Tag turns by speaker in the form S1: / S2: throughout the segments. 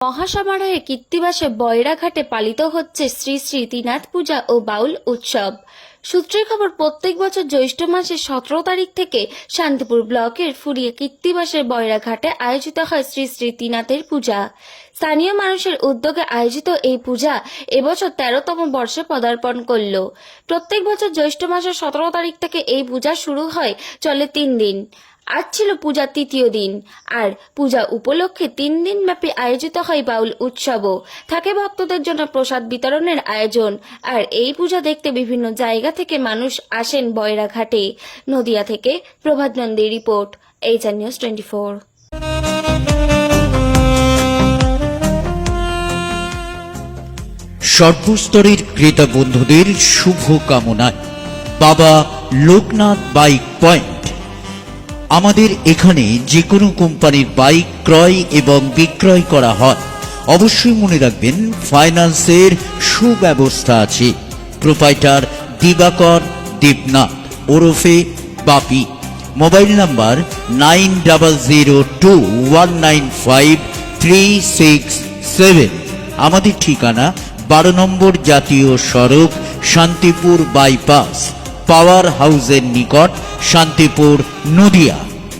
S1: মহাসমারোহে কীর্তিবাসে বয়রাঘাটে পালিত হচ্ছে শ্রী শ্রী ত্রিনাথ পূজা ও বাউল উৎসব। সূত্রের খবর, প্রত্যেক বছর জ্যৈষ্ঠ মাসের 17 তারিখ থেকে শান্তিপুর ব্লকের ফুরিয়ে কীর্তিবাসের বয়রাঘাটে আয়োজিত হয় শ্রী শ্রী ত্রিনাথের পূজা। স্থানীয় মানুষের উদ্যোগে আয়োজিত এই পূজা এবছর 13তম বর্ষে পদার্পণ করল। প্রত্যেক বছর জ্যৈষ্ঠ মাসের 17 তারিখ থেকে এই পূজা শুরু হয়, চলে 3 দিন। আজ ছিল পূজার তৃতীয় দিন, আর পূজা উপলক্ষে 3 দিন ব্যাপী আয়োজিত হয় বাউল উৎসবও। থাকে ভক্তদের জন্য প্রসাদ বিতরণের আয়োজন। আর এই পূজা দেখতে বিভিন্ন জায়গা থেকে মানুষ আসেন বয়রাঘাটে। নদিয়া থেকে প্রভাত নন্দীর রিপোর্ট, HR News 24।
S2: সর্বস্তরের ক্রেতা বন্ধুদের শুভ কামনায় বাবা লোকনাথ বাইক পয়েন্ট। আমাদের এখানে যে কোনো কোম্পানির বাইক ক্রয় এবং বিক্রয় করা হয়। অবশ্যই মনে রাখবেন, ফাইন্যান্সের সুব্যবস্থা আছে। প্রোপাইটার দিবাকর দেবনাথ ওরফে বাপি। Mobile number 9002195367। আমাদের ঠিকানা 12 নম্বর জাতীয় সড়ক, শান্তিপুর বাইপাস, পাওয়ার হাউসের নিকট, শান্তিপুর, নদিয়া।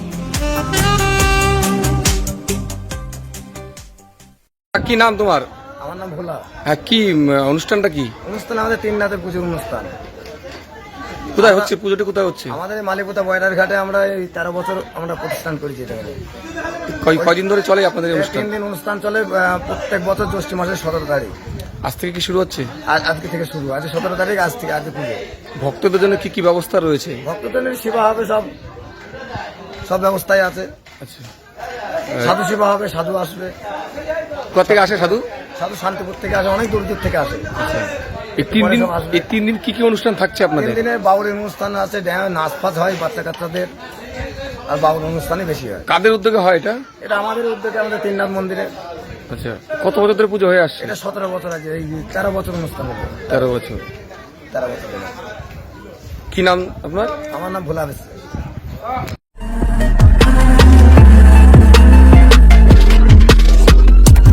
S3: কি নাম তোমার?
S4: আমার নাম ভোলা।
S3: হ্যাঁ, কি অনুষ্ঠানটা কি?
S4: অনুষ্ঠান আমাদের ত্রিনাথের পুজোর অনুষ্ঠান।
S3: কোথায় হচ্ছে পুজোটা? কোথায় হচ্ছে?
S4: আমাদের মালিপুতা বয়রার ঘাটে। আমরা এই 13 বছর আমরা প্রতিষ্ঠান করেছি এটা।
S3: কয়দিন ধরে চলে আপনাদের অনুষ্ঠান?
S4: 3 দিন অনুষ্ঠান চলে, প্রত্যেক বছর জ্যৈষ্ঠ মাসের 17 তারিখ।
S3: আজ থেকে কি শুরু হচ্ছে?
S4: আজকে থেকে শুরু, আজ 17 তারিখ, আজ থেকে আজকে পুজো।
S3: ভক্তদের জন্য কি কি ব্যবস্থা রয়েছে?
S4: ভক্তদের সেবা হবে, সব ব্যবস্থাই আছে।
S3: আচ্ছা,
S4: সাধু সেবা হবে, সাধু আসবে।
S3: কোথা থেকে আসে সাধু?
S4: সাধু শান্তিপুর থেকে আসে, অনেক দূর দূর থেকে আসে।
S3: এই 3 দিন কি কি অনুষ্ঠান থাকছে আপনাদের?
S4: 3 দিনে বাউলের অনুষ্ঠান আছে, নাচ ফাচ হয় বাচ্চা কাচ্চাদের, আর বাউল অনুষ্ঠানই বেশি হয়।
S3: কাদের উদ্যোগে হয় এটা?
S4: এটা আমাদের উদ্যোগে, আমাদের ত্রিনাথ মন্দিরে।
S3: আচ্ছা, কত বছর ধরে পুজো হয়ে আসছে?
S4: এটা 17 বছর আছে, এই 13 বছর অনুষ্ঠান হবে।
S3: 13 বছর।
S4: 13 বছর।
S3: কি নাম আপনার?
S4: আমার নাম ভোলা বিশ্বাস।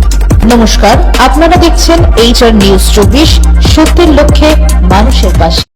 S5: নমস্কার, আপনারা দেখছেন HR News 24, সত্যের লক্ষ্যে মানুষের পাশে।